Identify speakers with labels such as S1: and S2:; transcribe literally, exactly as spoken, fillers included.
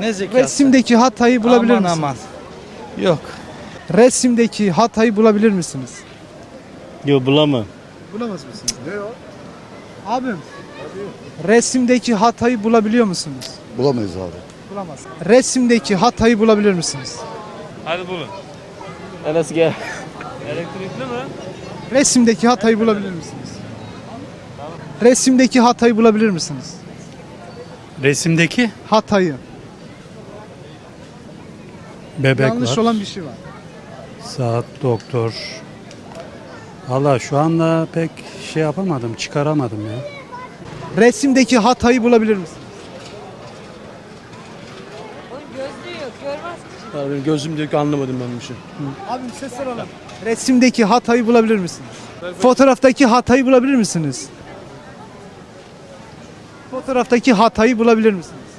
S1: Ne zekası?
S2: Resimdeki hatayı bulabilir
S1: Aman
S2: misiniz?
S1: aman. Yok.
S2: Resimdeki hatayı bulabilir misiniz?
S3: Yok bulamam.
S2: Bulamaz mısınız? Ne o? Abim. Resimdeki hatayı bulabiliyor musunuz?
S4: Bulamayız abi.
S2: Bulamaz. Resimdeki hatayı bulabilir misiniz?
S5: Hadi bulun.
S3: Enes gel.
S5: Elektrikli mi?
S2: Resimdeki hatayı bulabilir misiniz? Resimdeki hatayı bulabilir misiniz?
S6: Resimdeki
S2: Hatayı.
S6: bebek
S2: Yanlış
S6: var.
S2: olan bir şey var.
S6: Saat, doktor. Valla şu anda pek şey yapamadım, çıkaramadım ya.
S2: Resimdeki hatayı bulabilir misiniz?
S7: Gözlüğü yok, görmez ki.
S3: Abi gözüm diyor ki anlamadım ben bir şey.
S2: Abim ses alalım. Resimdeki hatayı bulabilir misiniz? Fotoğraftaki hatayı bulabilir misiniz? Fotoğraftaki hatayı bulabilir misiniz?